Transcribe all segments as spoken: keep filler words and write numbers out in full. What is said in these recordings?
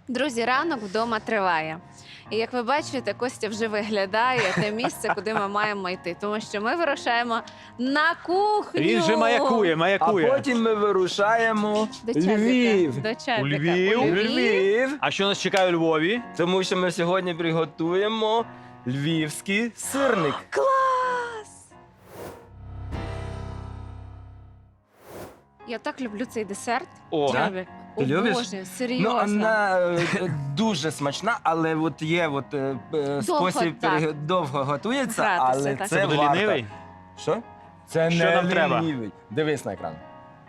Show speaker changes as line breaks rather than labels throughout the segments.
Друзі, ранок вдома триває. І як ви бачите, Костя вже виглядає те місце, куди ми маємо йти. Тому що ми вирушаємо на кухню.
Він же маякує,
А
маякує.
потім ми вирушаємо
До
в
Чабіка.
Львів.
До Чабіка.
У Львів?
У
В
Львів.
Львів,
А що нас чекає у Львові?
тому що ми сьогодні приготуємо львівський сирник.
Клас! Я так люблю цей десерт.
О,
Чабік.
Ти любиш?
Боже,
Ну,
серйозно.
вона е, дуже смачна, але от є от, е, е, спосіб
так.
перег- довго готується,
Гратися,
але
так.
це,
це буде
варто.
лінивий?
Що? Це
Що
не
нам треба?
лінивий. Дивись на екран.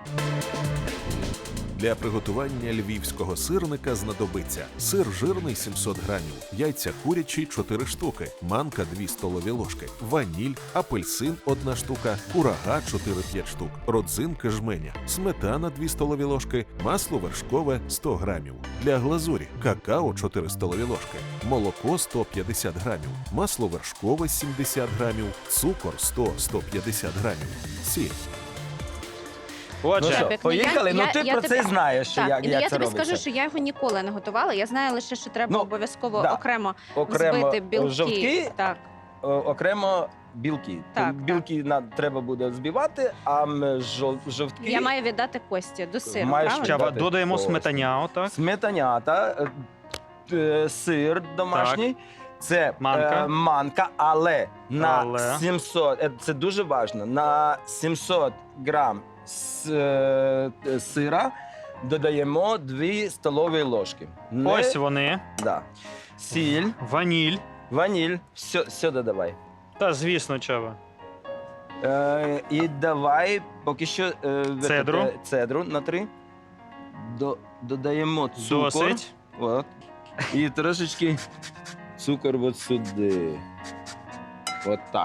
Для приготування львівського сирника знадобиться сир жирний сімсот грамів, яйця курячі чотири штуки, манка дві столові ложки, ваніль, апельсин одна штука, курага чотири-п'ять штук, родзинки жменя, сметана дві столові ложки, масло вершкове сто грамів. Для глазурі какао чотири столові ложки, молоко сто п'ятдесят грамів, масло вершкове сімдесят грамів, цукор сто - сто п'ятдесят грамів, сіль.
Отже,
Ну що,
Чабік, ну,
поїхали?
я-
Ну
я-
ти
я
про це
тобі-
знаєш, що
Так,
як,
і
як
я
це
тобі
робиться.
скажу, що я його ніколи не готувала. Я знаю лише, що треба
Ну,
обов'язково
да.
окремо
Окремо
збити білки.
жовтки,
Так.
о- окремо білки.
Так,
Білки на, треба буде збивати, а м, жов- жовтки
Я маю віддати Кості до сиру,
Маєш
правильно?
Чаба,
дати
додаємо
ось.
сметаняу, так?
сметанята, е, е, сир домашній. Це
Манка.
Е, манка, але на
Але.
сімсот, е, це дуже важливо, на сімсот грам с, е, е, сира додаємо дві столові ложки. Не-
Ось вони.
Да. Сіль,
Ваніль.
ваніль, все, все додавай.
Та, звісно, Чаба.
Е, і давай поки що е,
Цедру.
е, цедру на три. До, додаємо цукор.
Досить.
От. І трошечки цукор от сюди. От так.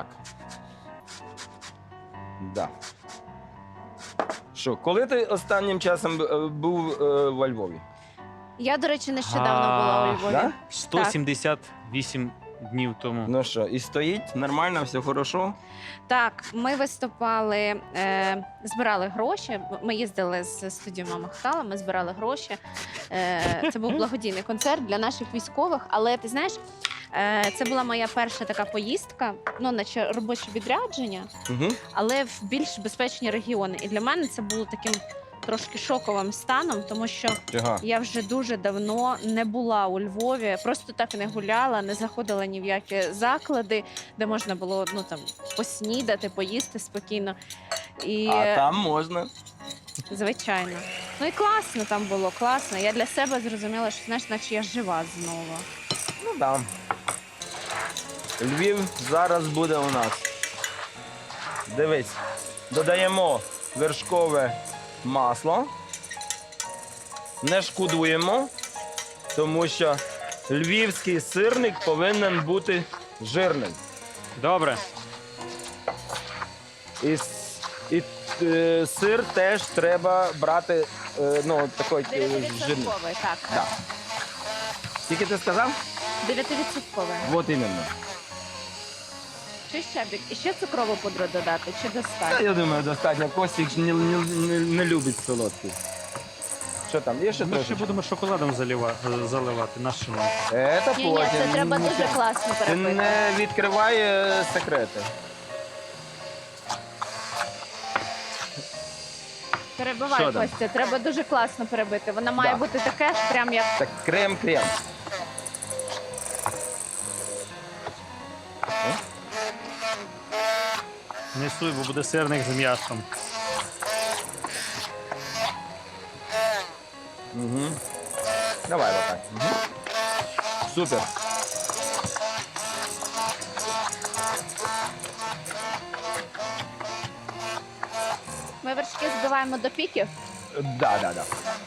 Да. Що, коли ти останнім часом е, був е, во Львові?
Я, до речі, нещодавно була у Львові.
Да?
сто сімдесят вісім днів тому.
Ну що, і стоїть нормально, все хорошо?
Так, ми виступали, е, збирали гроші. Ми їздили з студією Мама Хтала, ми збирали гроші. Е, це був благодійний концерт для наших військових. Але ти знаєш, е, це була моя перша така поїздка, ну, наче робоче відрядження,
Угу.
але в більш безпечні регіони. І для мене це було таким трошки шоковим станом, тому що
Ага.
я вже дуже давно не була у Львові, просто так не гуляла, не заходила ні в які заклади, де можна було ну там поснідати, поїсти спокійно. І
А там можна.
звичайно, ну і класно там було, класно. Я для себе зрозуміла, що знаєш, наче я жива знову.
Ну да. Львів зараз буде у нас. Дивись, додаємо вершкове масло. Не шкодуємо, тому що львівський сирник повинен бути жирним.
Добре.
І, с- і е, сир теж треба брати е, ну, такий е, жирний.
Дев'ятивідсотковий, так.
Да. Скільки ти сказав?
Дев'ятивідсотковий.
От іменно.
Чи ще бік? І ще цукрову пудру додати, чи
Та,
достатньо?
я думаю, достатньо. Костік ж не, не, не, не любить солодкий. Що там, є ще
Ми ще
трошечки?
будемо шоколадом залива- заливати нашими.
Це
Ні, ні,
потім.
це треба
Ні,
дуже класно
Ти
перебити.
не відкривай е, секрети.
Перебивай,
Що там?
Костя, треба дуже класно перебити. Вона має
Да.
бути таке ж, прям як
Так, крем-крем.
Не суй, бо буде сирник з м'ясом.
Угу. Давай отак. Угу. Супер.
ми вершки збиваємо до піків.
Да, да, да.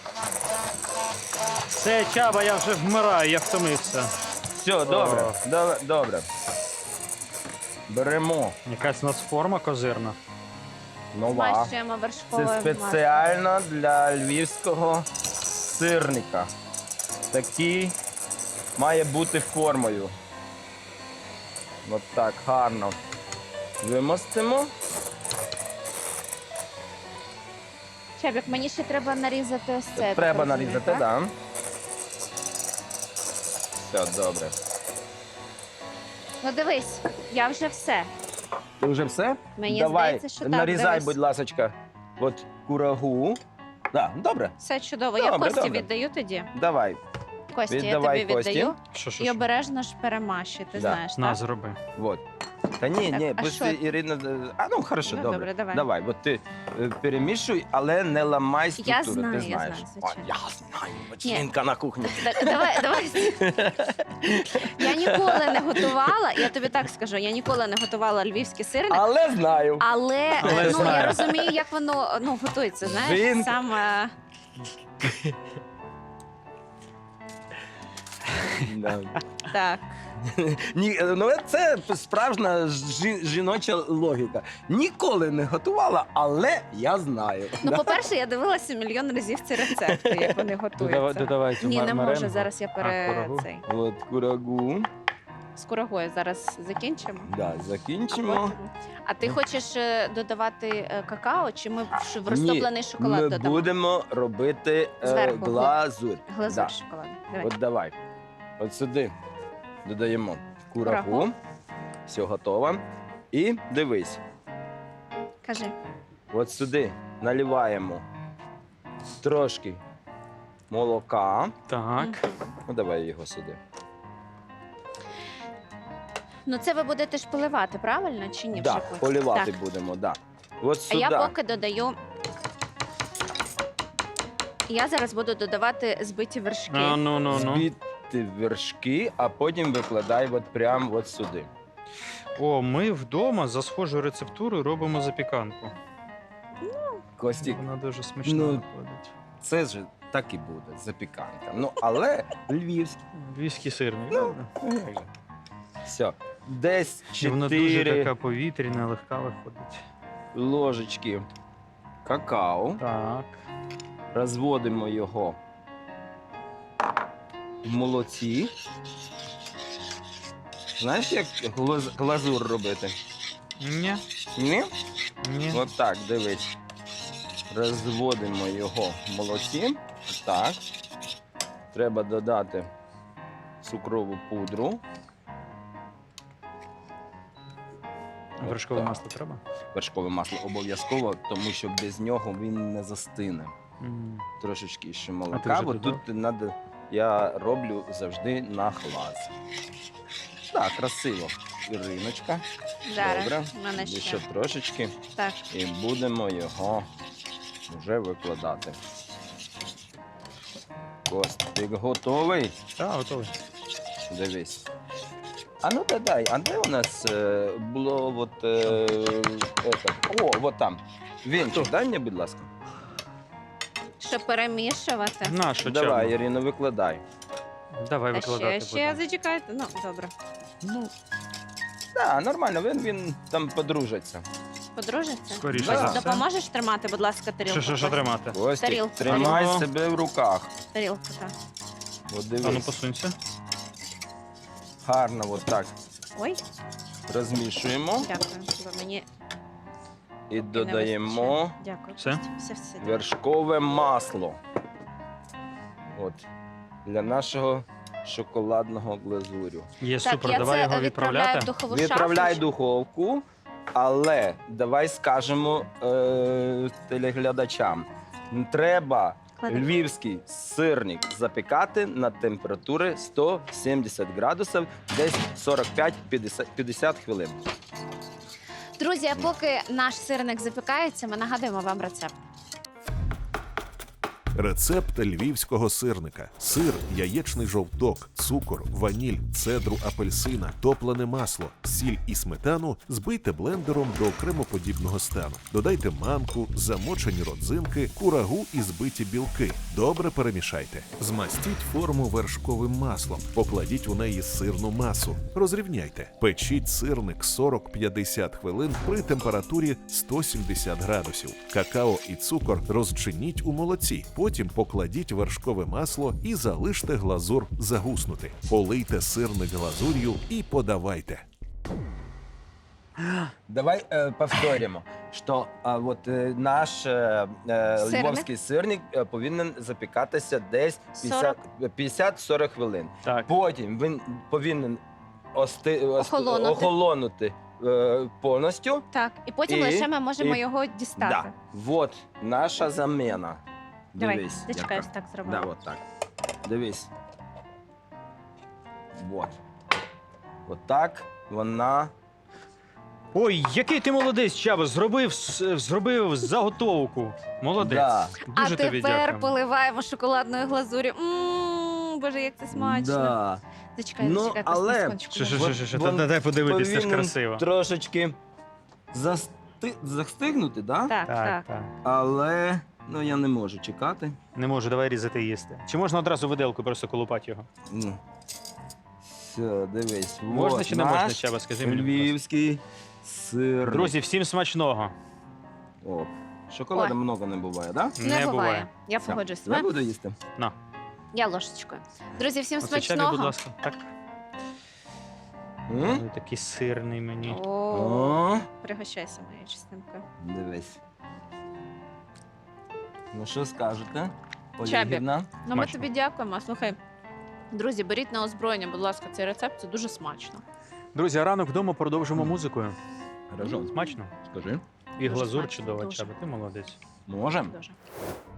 Все, Чаба, я вже вмираю, я втомився.
Все, добре.
О.
Добре. добре. Беремо.
Якась у нас форма козирна.
Нова.
Змащуємо
Це
вершкове масло.
спеціально для львівського сирника. Такий має бути формою. От так, гарно. Вимостимо.
Чебік, мені ще треба нарізати ось це. я так
Треба
розумію,
нарізати,
так?
так. Да. Все, добре.
Ну дивись, я вже все.
Ти вже все?
Мені
Давай,
здається, що так,
нарізай,
дивись.
будь ласочка, от курагу. Да, добре,
Все чудово. Я
Добре,
Кості
добре.
віддаю тоді.
давай.
Кості,
Віддавай
я тобі
Кості.
віддаю.
Що, що,
І
що?
обережно ж перемащуй, ти
Да.
знаєш,
На,
так?
зроби.
Вот. Та ні,
Так,
ні,
а
пусть
що?
Ірина. А ну хорошо,
Ну,
добре.
добре, давай.
Давай, от ти е, перемішуй, але не ламай структуру,
знаю,
ти
я
знаєш.
знаю,
О,
звичайно.
я знаю, бачинка на кухні.
Так, давай, давай. Я ніколи не готувала, я тобі так скажу, я ніколи не готувала львівський сирник,
Але знаю.
але,
Але
ну,
знаю.
я розумію, як воно ну, готується, знаєш,
Він-
саме...
Да.
Так.
Ні, ну це справжня жі- жіноча логіка. Ніколи не готувала, але я знаю.
Ну,
Да?
по-перше, я дивилася мільйон разів ці рецепти, як вони готуються.
Додавайте
Ні, не можу,
маренго.
зараз я пере...
А, курагу?
цей.
От курагу.
З курагою зараз закінчимо.
Да,
А,
закінчимо.
потім- а ти хочеш е, додавати е, какао, чи ми в ш- в
Ні,
розтоплений шоколад
Ми
додамо?
будемо робити е,
Зверху,
глазурь.
Глазур
Да.
шоколадний. Давай.
От давай. От сюди додаємо курагу.
Курагу.
Все готово. І дивись,
Кажи.
от сюди наливаємо трошки молока.
Так.
Мгм.
Ну, давай його сюди.
Ну це ви будете ж поливати, правильно? Чи ні?
Да,
вже потім?
полівати
Так.
будемо, да. От
А
сюди.
я поки додаю. Я зараз буду додавати збиті вершки.
А, ну, ну, ну.
Збити вершки, а потім викладай от прямо от сюди.
О, ми вдома за схожою рецептурою робимо запіканку.
Костік,
Вона дуже смачна
Ну,
виходить.
це ж так і буде, запіканка. Ну, але львівський.
Львівський сирник.
Ну,
правда?
як же. Все. Десь
І вона дуже
чотири
така повітряна, легка виходить.
ложечки какао.
Так.
Розводимо його в молоці. Знаєш, як глаз- глазур робити?
Ні,
Ні?
ні.
От так, дивись. Розводимо його в молоці. Так. Треба додати цукрову пудру.
Вершкове
так.
масло треба?
Вершкове масло обов'язково, тому що без нього він не застине.
М.
Трошечки ще
А ти
молока,
вже
бо
додав?
тут надо, я роблю завжди на глаз. Так, красиво. Іриночка.
Зараз.
Добре.
в мене ще.
Ще трошечки.
Так.
І будемо його вже викладати. Костик готовий?
Так, готовий.
Дивись. А ну дай, а де у нас е, було от, е, это? О, от там. Вінчик, дай мені, будь ласка.
Щоб перемішувати.
На, що
Давай,
чорно?
Ірино, викладай.
Давай
А
викладати.
ще, ще
будемо.
зачекайте. Ну, добре.
Ну,
Так, нормально, він, він там подружиться.
Подружиться?
Скоріше
за
Ось,
все.
допоможеш тримати, будь ласка, тарілку?
що, що, що
Костя?
тримати?
Костик,
Тарілку,
тримай
тарілку.
себе в руках.
Тарілку, так.
От
А ну
дивись.
посунься.
Гарно от так
Ой,
розмішуємо
дякую. Бо мені
і
не
додаємо
вистачає. Дякую.
Все?
Костя. Все, все. дякую.
вершкове масло. От. Для нашого шоколадного глазурю.
Є
Так,
супер,
я
давай
це
його
відправляю в
відправляти.
духову
Відправляй в
шафу.
духовку, але давай скажемо е, телеглядачам. Треба
Клади.
львівський сирник запікати на температурі сто сімдесят градусів, десь сорок п'ять - п'ятдесят хвилин.
Друзі, а поки наш сирник запікається, ми нагадуємо вам рецепт.
Рецепт львівського сирника: сир, яєчний жовток, цукор, ваніль, цедру апельсина, топлене масло, сіль і сметану збийте блендером до кремоподібного стану. Додайте манку, замочені родзинки, курагу і збиті білки. Добре перемішайте. Змастіть форму вершковим маслом. Покладіть у неї сирну масу. Розрівняйте. Печіть сирник сорок - п'ятдесят хвилин при температурі сто сімдесят градусів. Какао і цукор розчиніть у молоці. Потім покладіть вершкове масло і залиште глазур загуснути. Полийте сирник глазур'ю і подавайте.
Давай е, повторимо. що а, от, е, наш е, е,
Сирник?
львовський сирник е, повинен запікатися десь
сорок.
п'ятдесят-сорок хвилин.
Так.
Потім він повинен ости, ост-
Охолонути.
охолонути е, повністю.
Так, і потім
І-
лише ми можемо
і-
його дістати.
Да. Вот наша заміна.
Давай,
Дивись.
зачекай,
яка.
ось так зробимо.
Да, от так. Дивись. Вот. От так вона.
Ой, який ти молодець, Чаба, зробив, с- зробив заготовку. Молодець.
Да.
А
Дуже тобі
тепер
дякую.
поливаємо шоколадною глазур'ю. Мм, Боже, як це смачно.
Да.
Зачекай,
Ну,
зачекай,
але-
на секундочку.
Що, що,
Вон-
що, що,
вон
Та дай подивитися, це ж
повинен
красиво.
Трошечки засти... застигнути, да?
Так,
Так,
так.
так.
Але ну, я не можу чекати.
Не можу, давай різати і їсти. Чи можна одразу виделку просто колупати його?
Ну. Все, дивись.
Можна
вот
чи не можна,
наш
Чаба, скажи мені, будь ласка.
львівський сир.
Друзі, всім смачного.
О, шоколаду
Ой.
много не буває, да?
Не,
Не
буває.
буває.
Я
Все.
погоджуюсь з
Я
вами.
буду їсти.
На.
Я ложечкою. Друзі, всім
Оце Чабі,
смачного.
будь ласка. Так.
М?
Ой, такий сирний мені.
О,
О,
пригощайся, моя частинка.
дивись. Ну що скажете?
Чабі.
Олегівна?
Ну, ми
Смачно.
тобі дякуємо. Слухай, друзі, беріть на озброєння, будь ласка, цей рецепт. Це дуже смачно.
Друзі, а ранок вдома продовжимо музикою.
Хорошо.
Смачно.
Скажи.
І
Дуже
глазур
смачно,
чудова,
дуже.
Чаба. Ти молодець.
Можем?
Дуже.